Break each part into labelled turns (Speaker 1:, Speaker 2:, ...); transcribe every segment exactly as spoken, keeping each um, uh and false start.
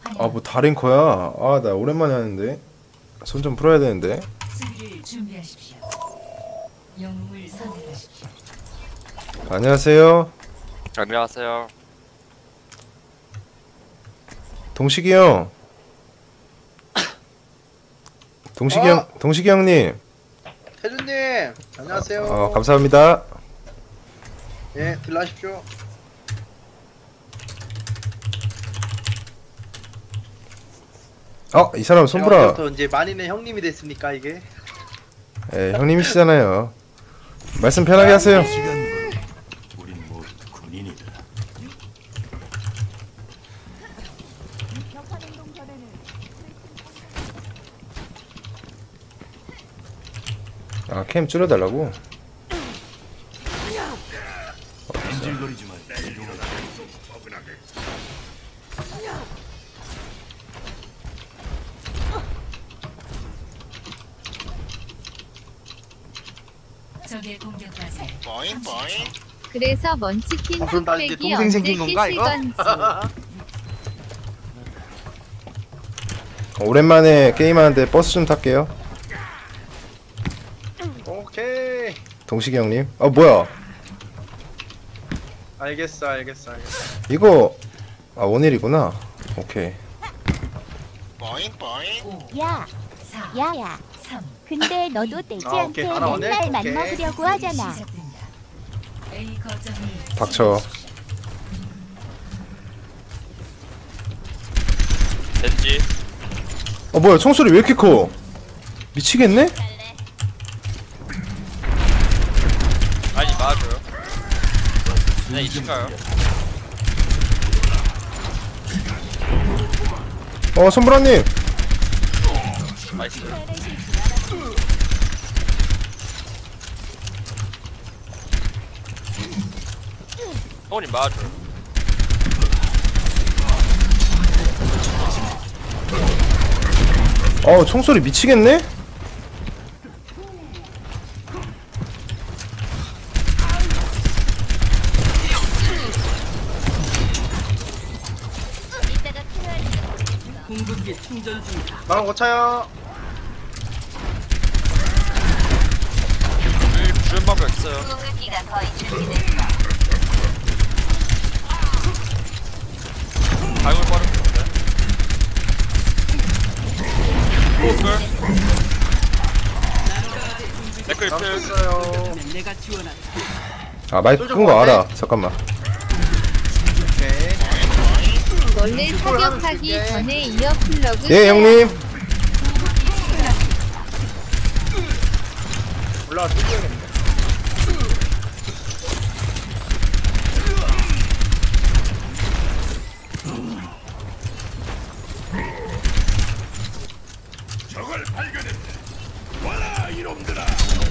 Speaker 1: 아 뭐 다랭커야? 아 나 오랜만에 하는데 손 좀 풀어야 되는데.
Speaker 2: 수비를 준비하십시오. 영웅을 선택하십시오.
Speaker 1: 안녕하세요.
Speaker 3: 안녕하세요.
Speaker 1: 동식이 형. 동식이
Speaker 4: 어?
Speaker 1: 형, 동식이 형님.
Speaker 4: 태준님 안녕하세요.
Speaker 1: 어 감사합니다.
Speaker 4: 예, 들어가십시오.
Speaker 1: 어 이 사람 손보라.
Speaker 4: 부터 이제 만인의 형님이 됐으니까 이게.
Speaker 1: 예 형님이시잖아요. 말씀 편하게 하세요.
Speaker 5: 우린 모두 군인이다.
Speaker 1: 아 캠 줄여달라고.
Speaker 5: 인질거리지 마. 이동하라.
Speaker 2: 적의 공격까지
Speaker 3: 보잉 보잉.
Speaker 6: 그래서 먼치킨
Speaker 4: 아, 그럼 나 이제
Speaker 6: 흑백이
Speaker 4: 동생
Speaker 6: 언제
Speaker 4: 생긴 건가, 이거?
Speaker 6: 깨실 건지.
Speaker 1: 오랜만에 게임하는데 버스 좀 탈게요.
Speaker 4: 오케이.
Speaker 1: 동식이 형님. 아 뭐야?
Speaker 4: 알겠어, 알겠어, 알겠어.
Speaker 1: 이거 아 원일이구나. 오케이.
Speaker 3: 보잉 보잉.
Speaker 7: 야,
Speaker 2: 사,
Speaker 7: 야야.
Speaker 2: 삼.
Speaker 7: 근데 너도 떼지한테
Speaker 4: 아, 오케이. 알아오네.
Speaker 7: 맨날
Speaker 4: 오케이.
Speaker 7: 맘먹으려고 하잖아.
Speaker 2: 시작됩니다. A 거점을
Speaker 1: 닥쳐.
Speaker 3: 젠지.
Speaker 1: 어 뭐야 총소리 왜 이렇게 커? 미치겠네?
Speaker 3: 아니 맞아요. 그냥 이친가요?
Speaker 1: 어 손보라님.
Speaker 3: 나이스. 형님 맞아요.
Speaker 1: 어 총소리 미치겠네?
Speaker 4: 나랑 고차요.
Speaker 3: 우리 주연 방법 있어요. 발굴 빠른 건데. 오글. 댓글
Speaker 4: 나랑
Speaker 3: 필.
Speaker 4: 했어요.
Speaker 1: 아 마이크 끈 거 알아. 잠깐만.
Speaker 4: 오케이.
Speaker 6: 원래 사격하기
Speaker 4: 줄게.
Speaker 6: 전에 이어 플러그
Speaker 1: 예 형님.
Speaker 4: 올라가 뚫려야겠네.
Speaker 5: 적을 발견했다. 와라 이놈들아.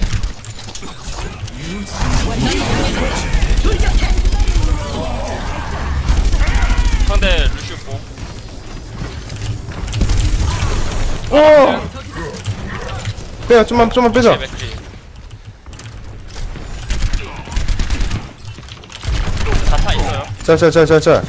Speaker 3: 상대 루시우 뽕.
Speaker 1: 어. 빼야 좀만 좀만 빼자.
Speaker 3: 맥크리. 자타 있어요.
Speaker 1: 자자자자자.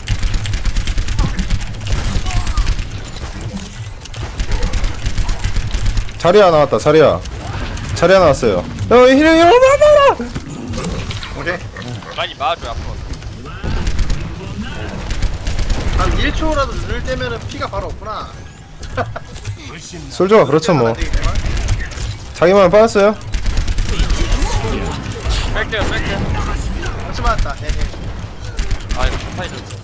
Speaker 1: 자리야 나왔다. 자리야. 자리야 나왔어요. 어 힐링 힐링.
Speaker 4: 오케이.
Speaker 3: 많이 맞아요 앞으로.
Speaker 4: 한 일 초라도 눈을 떼면은 피가 바로 없구나.
Speaker 1: 솔저가 그렇죠 뭐.
Speaker 4: 안 되겠지만.
Speaker 1: 자기만 빠졌어요.
Speaker 3: 뺄게요 뺄게요.
Speaker 4: 같이 맞았다. 예, 예.
Speaker 3: 아 이거 자타 있었어.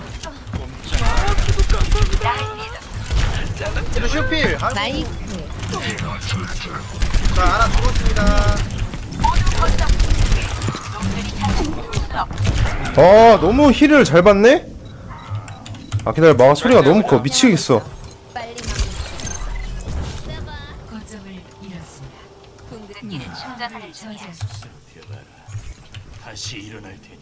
Speaker 4: 루시오필. 아이고.
Speaker 6: 마이크.
Speaker 4: 자, 하나 죽었습니다.
Speaker 1: 아 너무 힐을 잘 받네. 아 기다려봐. 소리가 너무 커. 미치겠어.
Speaker 2: 거점을 잃었습니다. 궁극기는 충전을 저지하십시오.
Speaker 5: 대봐라. 다시 일어날 테니.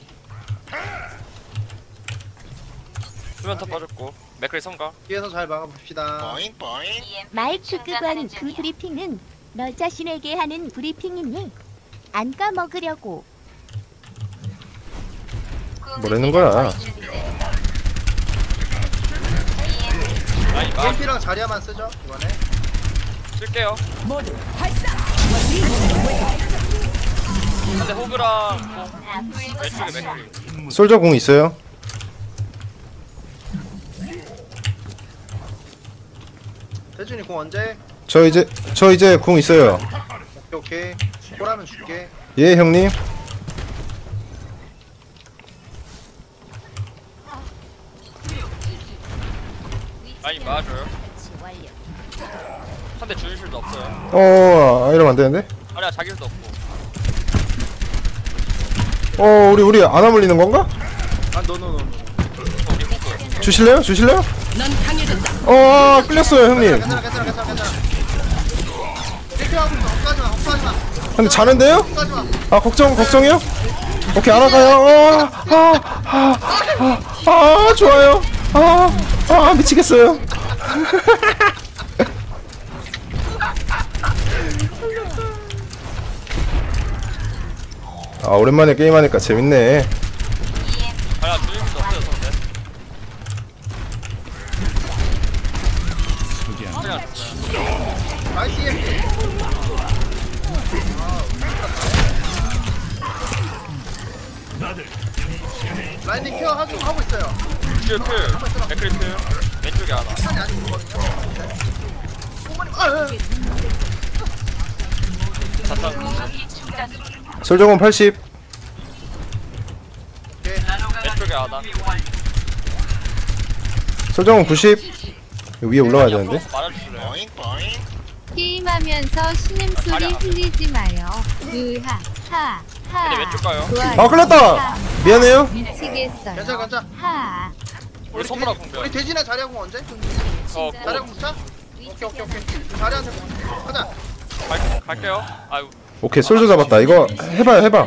Speaker 3: 수면 터 빠졌고 맥크리 성가.
Speaker 4: 뒤에서 잘 막아봅시다.
Speaker 3: 보잉 보잉.
Speaker 7: 마이크 끄건 그 브리핑은 너 자신에게 하는 브리핑이니 안 까먹으려고.
Speaker 1: 뭐라는 거야?
Speaker 3: 라인 마주
Speaker 4: 이엠피랑 자리야만 쓰죠 이번에.
Speaker 3: 쓸게요. 근데 호그랑 공 왼쪽에 맥크리.
Speaker 1: 솔저 공 있어요.
Speaker 4: 대준이 공 언제?
Speaker 1: 저 이제 저 이제 공 있어요.
Speaker 4: 오케이 오케이. 보라면 줄게.
Speaker 1: 예 형님.
Speaker 3: 라인 맞아요. 한대 주는 실도 없어요.
Speaker 1: 어 이러면 안 되는데.
Speaker 3: 아니야 자기 실도 없고.
Speaker 1: 어 우리 우리 안 아물리는 건가?
Speaker 4: 아 노노노노.
Speaker 3: 우리 호그.
Speaker 1: 주실래요? 주실래요? 어 끌렸어요 형님.
Speaker 4: 괜찮아 괜찮아 괜찮아 괜찮아. 이렇게 하고 있어. 헛가지 마 헛가지 마.
Speaker 1: 근데 자는데요?
Speaker 4: 헛가지 마.
Speaker 1: 아 걱정 걱정이요? 오케이 알아가요. 아아아 아, 아, 아, 좋아요. 아, 아 미치겠어요. 아 오랜만에 게임하니까 재밌네.
Speaker 3: 아니야 주는 실도 없어요 상대. 그냥
Speaker 4: 나이스 이엠피. 라인님 케어 하고 하고 있어요.
Speaker 3: 큐 큐. 맥크리 큐. 왼쪽에 하나.
Speaker 4: 아니 아직 있거든요. 어머님 아.
Speaker 3: 잠깐.
Speaker 1: 솔저공 팔십.
Speaker 4: 오케이.
Speaker 3: 왼쪽에 하나.
Speaker 1: 솔저공 구십. 위에 올라가야 되는데.
Speaker 3: 말아주실래요?
Speaker 6: 게임하면서 신음소리 흘리지 마요. 으하 하
Speaker 3: 근데 왼쪽
Speaker 6: 하.
Speaker 3: 가요.
Speaker 6: 좋아요.
Speaker 1: 아 끌렸다. 미안해요.
Speaker 6: 미치겠어요.
Speaker 4: 괜찮아 괜찮아.
Speaker 6: 하.
Speaker 3: 우리 손보라 공격.
Speaker 4: 우리 돼지나 자리야 공 언제?
Speaker 3: 어
Speaker 4: 자리야 공 붙자? 오케이 오케이 오케이. 자리한테 공. 가자.
Speaker 3: 갈, 갈게요. 아유
Speaker 1: 오케이 솔저 잡았다. 이거 해봐요 해봐.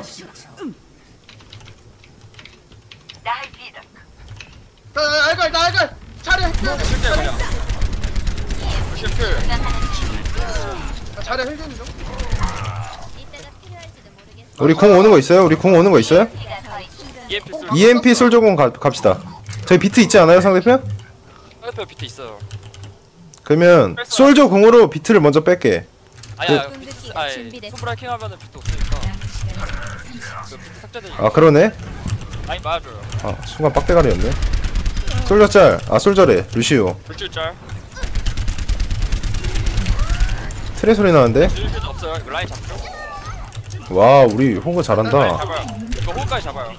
Speaker 4: 나 알갈 나 알갈. 자리야 힐.
Speaker 3: 쓸게요 그냥. 루시오 큐.
Speaker 4: 자리야 힐 좀.
Speaker 1: 우리 공 오는 거 있어요? 우리 공 오는 거 있어요?
Speaker 3: 이엠피 쓸.
Speaker 1: 이엠피 솔저공 가, 갑시다. 저희 비트 있지 않아요 상대편?
Speaker 3: 상대편 비트 있어요.
Speaker 1: 그러면 솔저 공으로 비트를 먼저 뺄게.
Speaker 3: 아니야 비트 아니 손브라 해킹 하면은 비트 없으니까. 그 비트 삭제되니까.
Speaker 1: 아 그러네.
Speaker 3: 라인 맞아줘요.
Speaker 1: 아 순간 빡대가리였네. 솔저 짤. 아 솔저래. 루시오.
Speaker 3: 물줄 짤.
Speaker 1: 트레 소리 나는데.
Speaker 3: 주는 실도 없어요. 이거 라인 잡죠?
Speaker 1: 와 우리 호그
Speaker 3: 라인
Speaker 1: 잘한다.
Speaker 3: 잡아요. 이거 호까지 잡아요.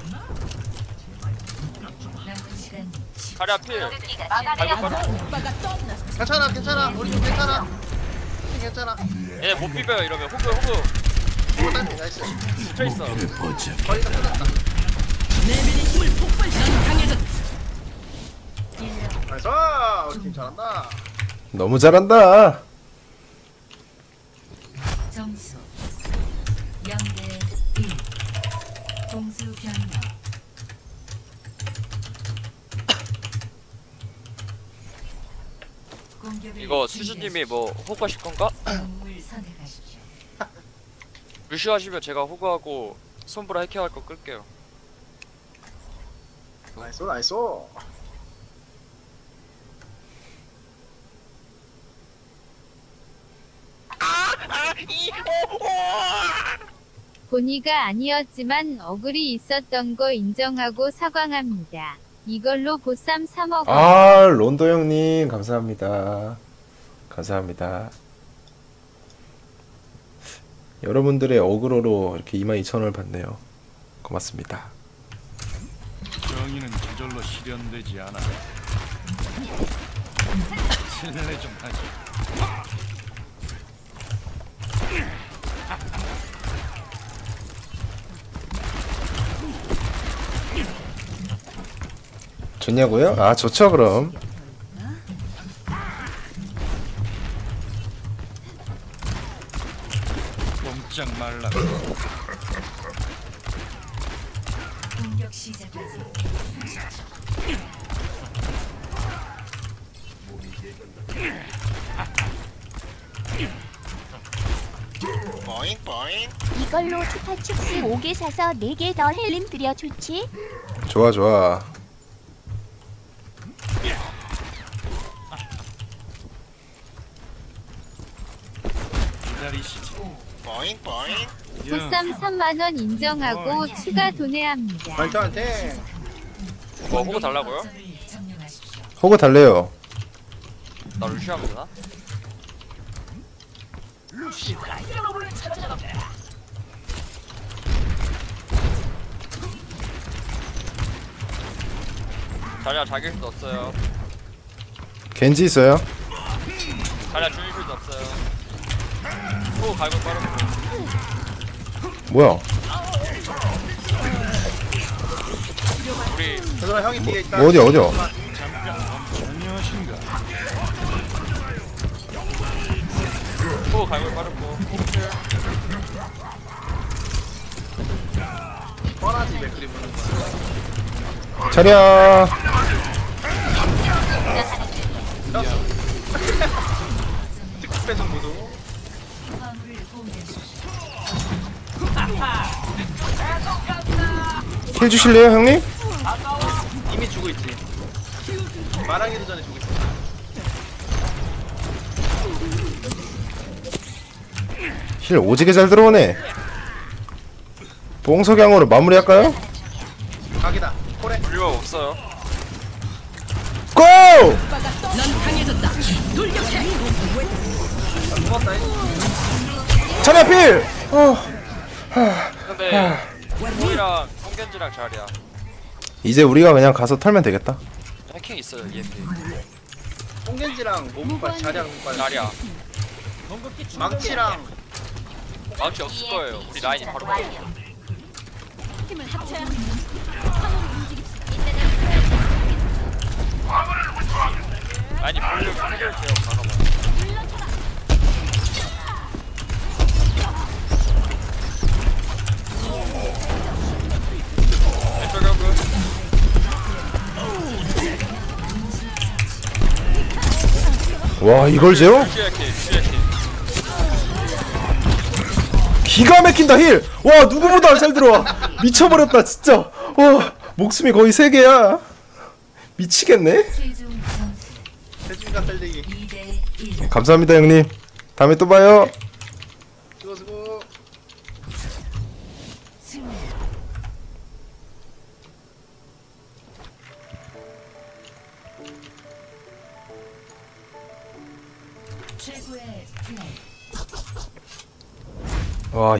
Speaker 2: 남은 시간
Speaker 3: 자리 앞필. 발목 빠져.
Speaker 4: 괜찮아 괜찮아. 우리 좀 괜찮아. 괜찮아.
Speaker 3: 얘네 못 비벼요 이러면 호그 호그.
Speaker 4: 이거 딸피 나이스.
Speaker 3: 붙여 있어.
Speaker 5: 보자.
Speaker 4: 거리가 끝났다. 나이스. 우리 팀 잘한다.
Speaker 1: 너무 잘한다.
Speaker 2: 점수 영 대 일. 공수 변경. 공격을
Speaker 3: 이거 수주님이 뭐 호그 하실 건가?
Speaker 2: 영웅을 선택하십시오.
Speaker 3: 루시오 하시면 제가 호그하고 손브라 해킹할 거 끌게요.
Speaker 4: 나이스 나이스.
Speaker 6: 본의가 아니었지만 억울이 있었던 거 인정하고 사과합니다. 이걸로 보쌈 사 먹어.
Speaker 1: 아 론도 형님 감사합니다. 감사합니다. 여러분들의 어그로로 이렇게 이만 이천 원을 받네요. 고맙습니다.
Speaker 5: 정의는 저절로 실현되지 않아. 실례 좀 하지.
Speaker 1: 좋냐고요? 아 좋죠 그럼.
Speaker 5: 꼼짝 말라.
Speaker 2: 공격 시작까지
Speaker 7: 이걸로 추파춥스 오 개 사서 네 개 더 헬림 드려 좋지?
Speaker 1: 좋아 좋아.
Speaker 5: 버리시지.
Speaker 4: 뽀잉 뽀잉.
Speaker 6: 보쌈 삼만 원 인정하고 추가 도내합니다.
Speaker 4: 말투한테
Speaker 3: 뭐 호구 달라고요?
Speaker 2: 거점을 점령하십시오.
Speaker 1: 호그 달래요.
Speaker 3: 나 루시 하면 되나? 자리야 자기 필도 없어요.
Speaker 1: 겐지 있어요.
Speaker 3: 자리야 주인 필도 없어요. 호구 갈고 빠르고.
Speaker 1: 뭐야?
Speaker 3: 우리
Speaker 4: 그동안 형이 뒤에 있다.
Speaker 1: 뭐 어디야 어디야?
Speaker 5: 안녕하신가?
Speaker 3: 호구 갈고 빠르고.
Speaker 4: 뻔하지 맥크리 보는 거.
Speaker 1: 자리야.
Speaker 4: 특급 배송 구도.
Speaker 2: 화물을 공개하십시오.
Speaker 1: 힐 주실래요 형님?
Speaker 4: 이미 주고 있지. 말하기도 전에 주고 있어.
Speaker 1: 힐 오지게 잘 들어오네. 뽕석양으로 마무리할까요?
Speaker 4: 각이다. 코레.
Speaker 3: 우리가 없어요.
Speaker 1: 고!
Speaker 4: 죽었다.
Speaker 1: 자리야 필! 어.
Speaker 3: 근데 호이랑 성겐지랑 자리야.
Speaker 1: 이제 우리가 그냥 가서 털면 되겠다.
Speaker 3: 해킹 있어요 이엠피.
Speaker 4: 홍겐지랑 모국발 자리랑 모국발.
Speaker 3: 자리야.
Speaker 4: 망치랑
Speaker 3: 마우치 없을 거예요. 우리 라인이 바로 가요. 라인이 볼륨 해결돼요. 가가봐. 왼쪽 벽은
Speaker 1: 와 이걸 재워?
Speaker 3: 루시 해킹, 루시 해킹.
Speaker 1: 기가 막힌다 힐! 와 누구보다 잘 들어와. 미쳐버렸다 진짜. 와 목숨이 거의 세 개야. 미치겠네.
Speaker 2: 최종 점수
Speaker 4: 대중간 살리기.
Speaker 2: 이 대 일.
Speaker 1: 감사합니다 형님. 다음에 또 봐요.
Speaker 4: 수고 수고.
Speaker 2: 승리. 최고의 플레이.